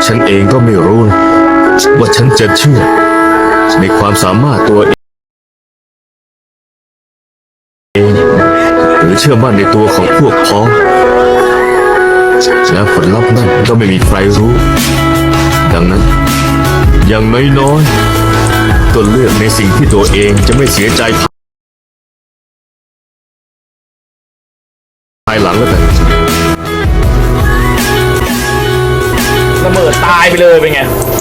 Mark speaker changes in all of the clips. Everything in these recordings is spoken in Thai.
Speaker 1: ฉันเองก็ไม่รู้ว่าฉันจะเชื่อในความสามารถตัวเองหรือเชื่อมั่นในตัวของพวกพ้องและผลลัพธ์นั้นก็ไม่มีใครรู้ดังนั้นอย่างน้อยๆก็เลือกในสิ่งที่ตัวเองจะไม่เสียใจภายหลังแล้วกัน
Speaker 2: ระเบิดตายไปเลยเป็นไง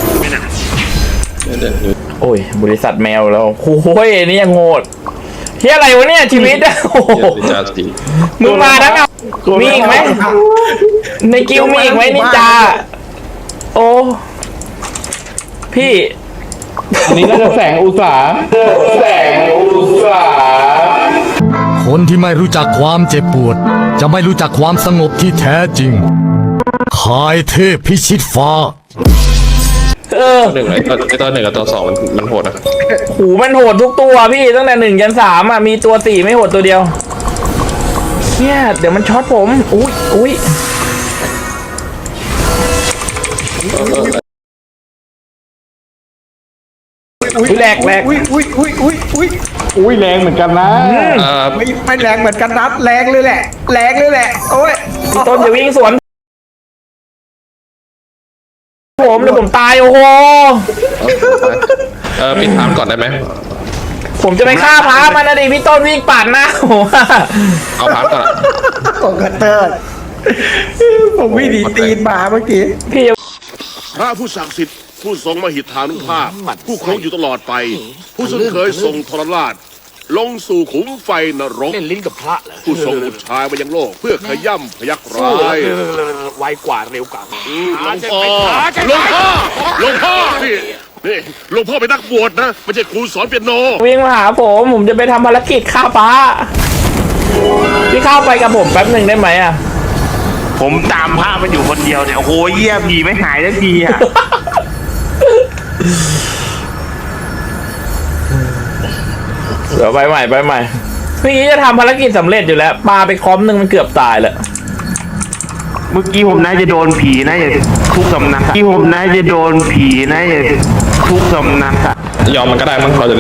Speaker 2: โอ้ยบริษัทแมวแล้วโอ้ยนี่ยังโหดเฮียอะไรวะเนี่ยชีวิตอะโอ้โหมึงมาทั้งเอามีอีกไหมในกิวมีอีกไหมนินจาโอ้พี่
Speaker 3: อันนี้น่าจะแสงอุตสา
Speaker 4: คนที่ไม่รู้จักความเจ็บปวดจะไม่รู้จักความสงบที่แท้จริงคายเทพพิชิตฟ้า
Speaker 3: หนึ่งเลยตอนหนึ่งกับตอนสองมันโหดนะ
Speaker 2: หูมันโหดทุกตัวพี่ตั้งแต่1 ยัน 3อ่ะมีตัว4ไม่โหดตัวเดียวเนี่ยเดี๋ยวมันช็อตผมอุ้ยแรง
Speaker 3: อุ้ยแรงเหมือนกันนะ
Speaker 5: ไม่แรงเหมือนกันนัดแรงเลยแหละโอ้ย
Speaker 2: ต้นจะวิ่งสวนผมเดี๋ยวผมตายโอ้โห
Speaker 3: ปิดถามก่อนได้ไหม
Speaker 2: ผมจะไปฆ่าพระมันนะดิพี่ต้นวิ่งปั่นนะ
Speaker 3: เอาถามก่อน
Speaker 5: ของกระเติร์ดผมวิ่งดีตีนมาเมื่อกี้
Speaker 2: พี่
Speaker 6: พระผู้ศักดิ์สิทธิ์ผู้ทรงมหิทธานุภาพผู้ครองอยู่ตลอดไปผู้ซึ่งเคยทรงทรราชลงสู่ขุมไฟนรก
Speaker 7: เล่นลิ้นกับพระเหรอ
Speaker 6: ผู้ทรงอุทายมายังโลกเพื่อขย่ำพยักร้าย
Speaker 7: ไวกว่าเร็วกว่า
Speaker 6: หลวงพ่อนี่หลวงพ่อเป็นนักบวชนะไม่ใช่ครูสอนเปียโน
Speaker 2: วิ่งมาหาผมจะไปทำภารกิจฆ่าพระพี่เข้าไปกับผมแป๊บหนึ่งได้ไหมอ่ะ
Speaker 7: ผมตามพระมันอยู่คนเดียวเนี่ยโอ้โหเยี่ยผีไม่หายสักทีอ่ะ
Speaker 2: เดี๋ยวไปใหม่พี่จะทำภารกิจสำเร็จอยู่แล้วปลาไปคอมหนึ่งมันเกือบตายแล้ว
Speaker 7: เมื่อกี้ผมน่าจะโดนผีนะอย่าทุกสำนักที่ผมน่าจะโดนผีนะอย่าทุกสำนัก
Speaker 3: ยอมมันก็ได้มั้งเราจะ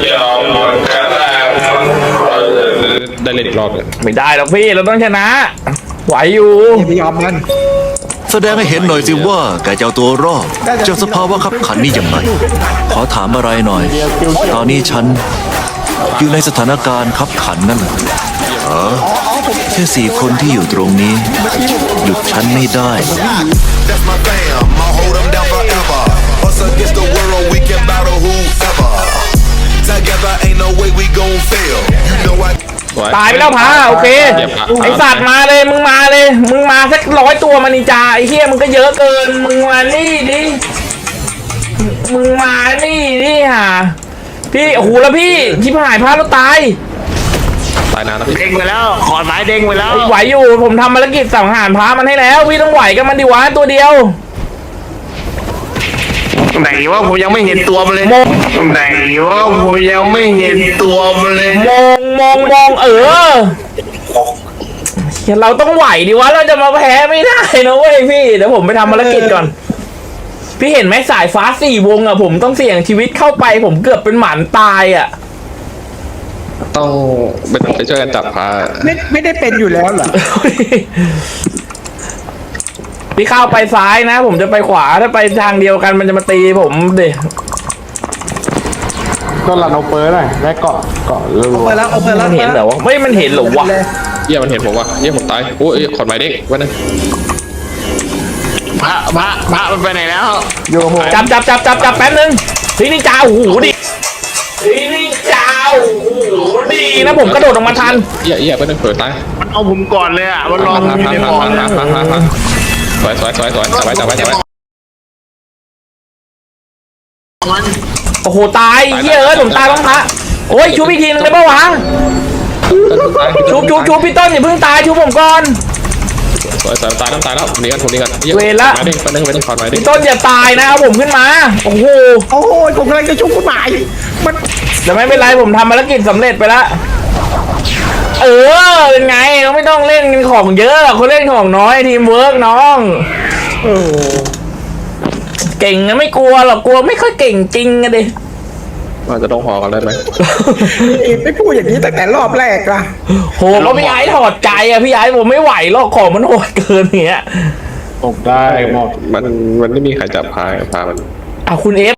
Speaker 3: ได้เล่นอีกรอบเลย
Speaker 2: ไม่ได้หรอกพี่เราต้องชนะไหวอยู่
Speaker 5: ไม่ยอมกัน
Speaker 1: แสดงให้เห็นหน่อยสิว่าแกจะเอาตัวรอดเจอสภาวะขับขันนี่ยังไงขอถามอะไรหน่อยตอนนี้ฉันอยู่ในสถานการณ์ขับขันนั่นแหละแค่4 คนที่อยู่ตรงนี้หยุดฉันไม่ได้
Speaker 2: ตายไปแล้วพาโอเคไอสัตว์มาเลยมึงมาสัก100 ตัวมานิจาไอเฮียมึงก็เยอะเกินมึงมานี่ดิมึงมานี่ดิฮะพี่โอ้โหแล้วพี่ชิบหายพาแล้วตาย
Speaker 3: นานแล้ว
Speaker 7: เด้งไปแล้วขอไม้เด้งไปแล้ว
Speaker 2: ไหวอยู่ผมทำภารกิจสังหารพามันให้แล้วพี่ต้องไหวกับมันดิวะตัวเดียว
Speaker 7: ไหนว่าผมยังไม่เห็นตัวมันเลยไหนว่าผมยังไม่เห็นตัวมันเลย
Speaker 2: มองเราต้องไหวดิวะเราจะมาแพ้ไม่ได้นะเว้ยพี่เดี๋ยวผมไปทำภารกิจก่อนพี่เห็นไหมสายฟ้า4 วงอะผมต้องเสี่ยงชีวิตเข้าไปผมเกือบเป็นหมันตายอะ
Speaker 3: ต้องไปช่วยกันจับพา
Speaker 5: ไม่ได้เป็นอยู่แล้วเหรอ
Speaker 2: พี่เข้าไปซ้ายนะผมจะไปขวาถ้าไปทางเดียวกันมันจะมาตีผมดิ
Speaker 3: ก็รันเอาเปิร์หน่อยได้เกาะ
Speaker 5: เปิดแล้ว
Speaker 2: มันเห็นเหรอวะไม่มันเห็นหรอวะ
Speaker 3: เยี่ยมันเห็นผมวะเยี่ยผมตายโอ้ยขอดไม้เด้งวันนั้น
Speaker 7: พระมันไปไหนแล้ว
Speaker 2: จับแป๊บนึงพี่นี่จ้าโอ้โหดิพี่นี่จ้าโอ้โหดีนะผมกระโดดออกมาทัน
Speaker 3: เยี่ยไปนั่งเปิดตาย
Speaker 7: มันเอาผมก่อนเลยอ่ะมันรอผมในบ่อ
Speaker 3: สวยจับไว้
Speaker 2: โอ้โหตายเหี้ยผมตายบ้างพระโอ้ยชูพี่ทีนึงได้ปะวะชูพี่ต้นอย่าเพิ่งตายชูผมก่อน
Speaker 3: สวยตายแล้วผมนี้กัน
Speaker 2: เวรละพี่ต้นอย่าตายนะเอาผมขึ้นมาโอ้โห
Speaker 5: ผมกำลังจะชุบคุณหมายมัน
Speaker 2: แต่ไม่เป็นไรผมทำภารกิจสำเร็จไปแล้วเป็นไงเราไม่ต้องเล่นกันของเยอะเขาเล่นของน้อยทีมเวิร์กน้องเก่งนะไม่กลัวหรอกกลัวไม่ค่อยเก่งจริงอะดิ
Speaker 3: ว่าจะต้องพอกันได้ไหม
Speaker 5: ไม่พูดอย่างนี้ตั้งแต่รอบแรกล่ะ
Speaker 2: โหก็พี่ไอ้ถอดใจอะพี่ไอ้ผมไม่ไหวหรอกของมันโหดเกินเนี้ย
Speaker 3: มันไม่มีใครจับพามัน
Speaker 2: คุณเอฟ